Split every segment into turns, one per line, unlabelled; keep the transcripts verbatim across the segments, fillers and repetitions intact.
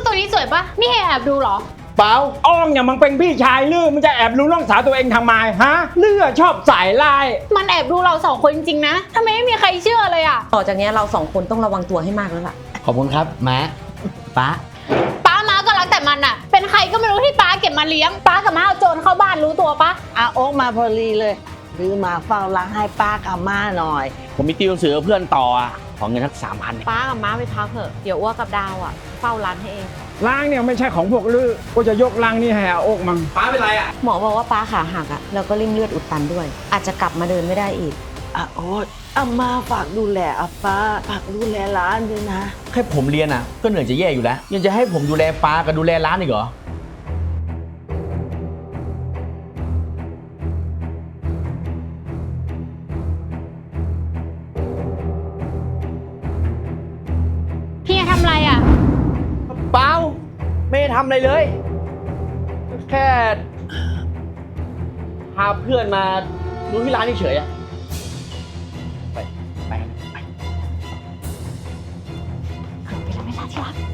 ตัวนี้สวยปะนี่แอบดูเหรอ
เปล่าอ้องเนี่ยมันเป็นพี่ชายลือมันจะแอบรู้น้องสาวตัวเองทำไมฮะเลือชอบสายลาย
มันแอบดูเราสองคนจริงๆนะทำไมไม่มีใครเชื่อเลยอ่ะ
ต่อจากนี้เราสองคนต้องระวังตัวให้มากแล้วล่ะ
ขอบคุณครับม้าป้า
ป้าม้าก็รักแต่มันอ่ะเป็นใครก็ไม่รู้ที่ป้าเก็บมาเลี้ยงป้ากับม้าเอาโจรเข้าบ้านรู้ตัวปะ
อาโอ๊กมาพอดีเลยซื้อมาเฝ้าร้านให้ป้ากับม่าหน่อย
ผมมีติวหนังสือเพื่อนต่ออ่ะขอเงินสักสามพัน
ป้ากับม้าไปพักเถอะเดี๋ยวอ้วกกับดาวอ่ะเฝ้าร้านให้เอง
ล้างเนี่ยไม่ใช่ของพวกลือก็จะยกล้างนี่ให้อาโอ๊กมั้งป้าเป็นไรอ่ะ
หมอบอกว่าป้าขาหักอ่ะแล้วก็ริ่มเลือดอุดตันด้วยอาจจะกลับมาเดินไม่ได้อีก
อาโอ๊กอามาฝากดูแลอาป้าฝากดูแลร้านด้วยนะ
แค่ผมเรียนอ่ะก็เหนื่อยจะแย่อยู่แล้วยังจะให้ผมดูแลป้ากับดูแลร้านอีกเหรอ
ทำอะไรอ่ะ
เปล่าไม่ได้ทำอะไรเลยแค่พาเพื่อนมาดูที่ร้านเฉยๆอะไปไปไป
เกิดไปแล้วไม่ลาที่รัก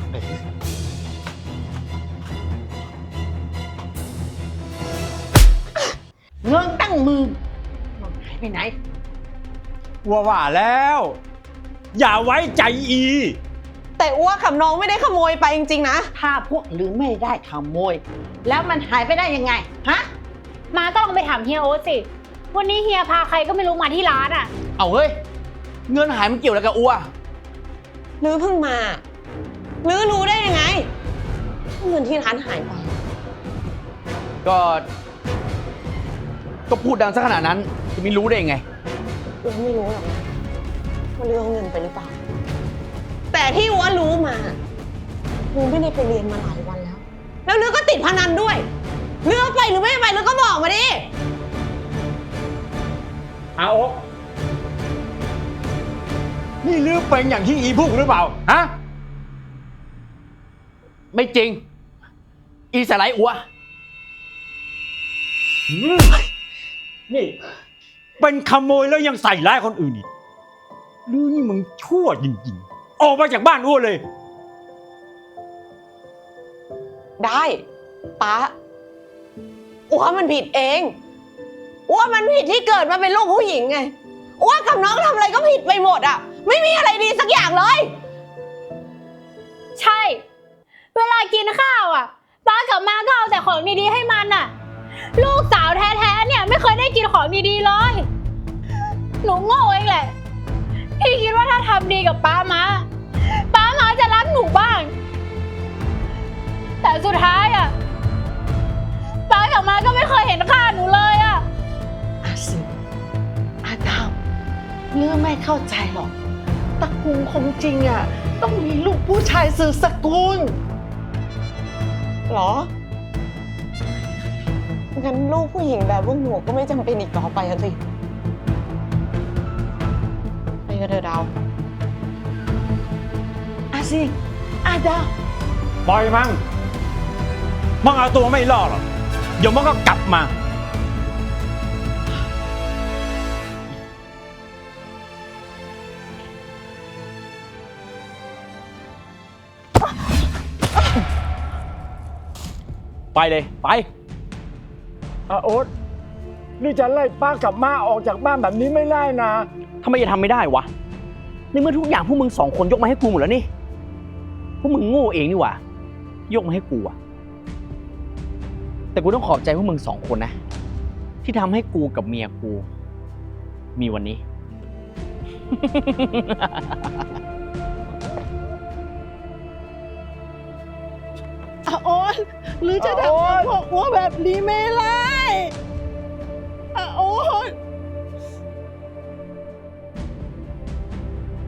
เงินตั้งมือมันหายไปไหน
ว่าว่าแล้วอย่าไว้ใจอี
แต่อ้วกกับน้องไม่ได้ขโมยไปจริงๆนะ
ถ้าพวกหรือไม่ได้ขโมยแล้วมันหายไปได้ยังไงฮะ
มาก็ลองไปถามเฮียโอ๊ตสิวันนี้เฮียพาใครก็ไม่รู้มาที่ร้านอ่ะ
เอาเฮ้ยเงินหายมันเกี่ยวอะไรกับอ้ว
ลือเพิ่งมาลือรู้ได้ยังไงเงินที่ร้านหายไป
ก็ก็พูดดังซะขนาดนั้นจะไม่รู้ได้ยังไง
ลือไม่รู้หรอกว่าลือเอาเงินไปหรือเปล่าแต่ที่อ้วรู้มาลือไม่ได้ไปเรียนมาหลายวันแล้วแล้วลือก็ติดพนันด้วยลือไปหรือไม่ไปลือก็บอกมาดิ
อาโอ๊กนี่ลือเป็นอย่างที่อีพูดหรือเปล่าฮะไม่จริงอีสไลด์อัวนี่เป็นขโมยแล้วยังใส่ร้ายคนอื่นอีกลือนี่มึงชั่วจริงๆออกมาจากบ้านอ้วเลย
ได้ป๊าอ้วมันผิดเองอ้วมันผิดที่เกิดมาเป็นลูกผู้หญิงไงอ้วกับน้องทำอะไรก็ผิดไปหมดอ่ะไม่มีอะไรดีสักอย่างเลย
ใช่เวลากินข้าวอ่ะป้ากับม้าก็เอาแต่ของดีๆให้มันอ่ะลูกสาวแท้ๆเนี่ยไม่เคยได้กินของดีๆเลยหนูโง่เองแหละที่คิดว่าถ้าทำดีกับป้าม้าป้าม้าจะรักหนูบ้างแต่สุดท้ายอ่ะป้ากับม้าก็ไม่เคยเห็นค่าหนูเลยอ่ะ
อาสิอาดาวเรื่องไม่เข้าใจหรอกตระกูลของจริงอ่ะต้องมีลูกผู้ชายสืบสกุล
หรองั้นลูกผู้หญิงแบบพวกหนูก็ไม่จำเป็นอีกต่อไปอ่ะสิไปกันเถอะดาว
อาสิอาดาว
ปล่อยมันมันเอาตัวไม่รอดหรอกเดี๋ยวมันก็กลับมาไปเลยไปอาโอ๊ตนี่จะไล่ป้ากับม่าออกจากบ้านแบบนี้ไม่ได้นะทำไมจะทำไม่ได้วะในเมื่อทุกอย่างพวกมึงสองคนยกมาให้กูหมดแล้วนี่พวกมึงโง่เองนี่หว่ายกมาให้กูอะแต่กูต้องขอบใจพวกมึงสองคนนะที่ทำให้กูกับเมียกูมีวันนี้
อาโอ๊ตหรือจะทำกับพวกหัวแบบนี้ไม่ล่ะ